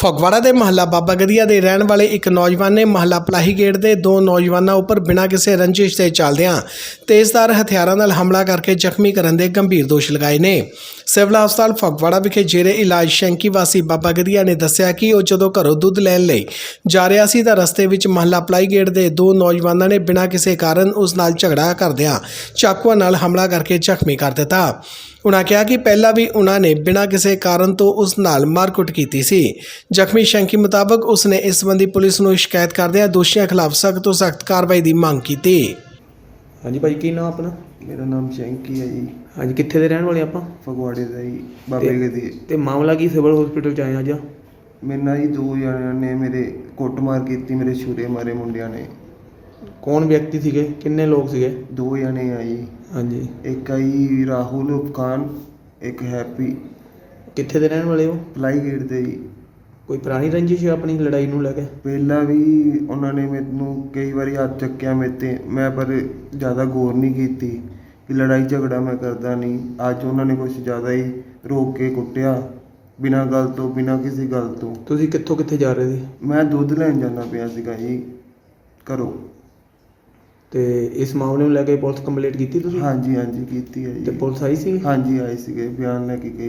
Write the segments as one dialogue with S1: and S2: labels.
S1: ਫਗਵਾੜਾ ਦੇ ਮਹੱਲਾ ਬਾਬਾ ਗਦੀਆ ਦੇ ਰਹਿਣ ਵਾਲੇ ਇੱਕ ਨੌਜਵਾਨ ਨੇ ਮਹੱਲਾ ਪਲਾਹੀ ਗੇਟ ਦੇ ਦੋ ਨੌਜਵਾਨਾਂ ਉੱਪਰ ਬਿਨਾਂ ਕਿਸੇ ਰੰਜਿਸ਼ ਦੇ ਚੱਲਦਿਆਂ ਤੇਜ਼ਧਾਰ ਹਥਿਆਰਾਂ ਨਾਲ ਹਮਲਾ ਕਰਕੇ ਜ਼ਖਮੀ ਕਰਨ ਦੇ ਗੰਭੀਰ ਦੋਸ਼ ਲਗਾਏ ਨੇ। ਸਿਵਲ ਹਸਪਤਾਲ ਫਗਵਾੜਾ ਵਿਖੇ ਜੇਰੇ ਇਲਾਜ ਸ਼ੰਕੀ ਵਾਸੀ ਬਾਬਾ ਗਦੀਆ ਨੇ ਦੱਸਿਆ ਕਿ ਉਹ ਜਦੋਂ ਘਰੋਂ ਦੁੱਧ ਲੈਣ ਲਈ ਜਾ ਰਿਹਾ ਸੀ ਤਾਂ ਰਸਤੇ ਵਿੱਚ ਮਹੱਲਾ ਪਲਾਹੀ ਗੇਟ ਦੇ ਦੋ ਨੌਜਵਾਨਾਂ ਨੇ ਬਿਨਾਂ ਕਿਸੇ ਕਾਰਨ ਉਸ ਨਾਲ ਝਗੜਾ ਕਰਦਿਆਂ ਚਾਕੂਆਂ ਨਾਲ ਹਮਲਾ ਕਰਕੇ ਜ਼ਖਮੀ ਕਰ ਦਿੱਤਾ। उन्होंने कहा कि पहला भी उन्होंने बिना किसी कारण तो उस नाल मारकुट की सी। जख्मी शंकी मुताबिक उसने इस संबंधी पुलिस को शिकायत करदे दोषियों खिलाफ सख्त तो सख्त कार्रवाई की मांग की।
S2: हाँ जी भाई, की नाम अपना?
S3: मेरा नाम शंकी है जी।
S2: हाँ जी, कितने दे रहने वाले आप?
S3: फगवाड़े का जी, बाबे गदी।
S2: ते मामला की सिविल हॉस्पिटल च आए अज?
S3: मेरे ना जी दो जणियां ने मेरे कुटमार की, मेरे छुरे मारे मुंडिया ने।
S2: कौन व्यक्ति थे, किन्ने लोग थे?
S3: दो जने आई।
S2: हाँ जी,
S3: एक आई राहुल खान, एक हैप्पी।
S2: कितने दे रहने वाले हो?
S3: पलाई गेट दे जी।
S2: कोई पुरानी रंजिश है अपनी लड़ाई नूं लैके?
S3: पहला भी उन्होंने मैनू कई बार हाथ चक्या मेरे ते, मैं पर ज़्यादा गौर नहीं की कि लड़ाई झगड़ा मैं करता नहीं। अज उन्होंने कुछ ज़्यादा ही रोक के कुटिया बिना गल तो, बिना किसी गल तो।
S2: तुसीं कित्थों कित्थे जा रहे थे?
S3: मैं दुध लैन जाना पिया सीगा जी घरों।
S2: ते इस मामले में लैके पुलिस कंप्लेंट की तुसीं?
S3: हाँ जी की है
S2: ते
S3: जी।
S2: पुलिस आई सी?
S3: हाँ जी आई सी, बयान लेके गई।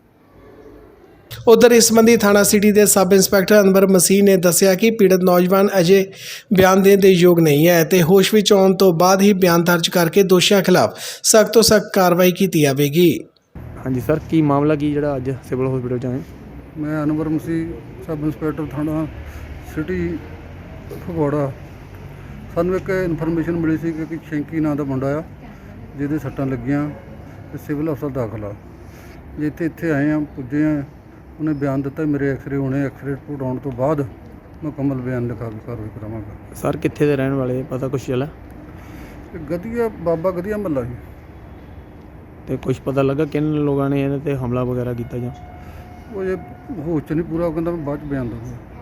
S1: उधर इस संबंधी थाना सिटी के सब इंस्पैक्टर अनवर मसीह ने दस्सिया कि पीड़ित नौजवान अजे बयान देने के योग नहीं है तो होश विच आउण तो बाद ही बयान दर्ज करके दोषियों खिलाफ सख्त तो सख्त कार्रवाई की जाएगी।
S2: हाँ जी सर, की मामला की जरा अज सिविल हॉस्पिटल च आए?
S4: मैं अनवर मसीह सब इंस्पैक्टर थाना सिटी फगवाड़ा। सानू एक इन्फॉर्मेशन मिली सी कि शंकी नाम का मुंडा आ जिहदे सट्टां लगियां ते सिविल हस्पताल दाखल आ। जिथे इत्थे आए हैं पुजे हैं, उन्हें बयान दिता मेरे एक्सरे होने, एक्सरे रिपोर्ट आने तो बाद मुकम्मल बयान लिखा के कार्रवाई करावांगा।
S2: सर कित्थे दे रहने वाले, पता कुछ चला?
S4: गदिया बाबा गदिया महला ही।
S2: तो कुछ पता लगा किन लोगों ने इन्हां ते हमला वगैरह किया?
S4: वो ये होश च नहीं पूरा, वो कहंदा मैं बाद च बयान दूंगा।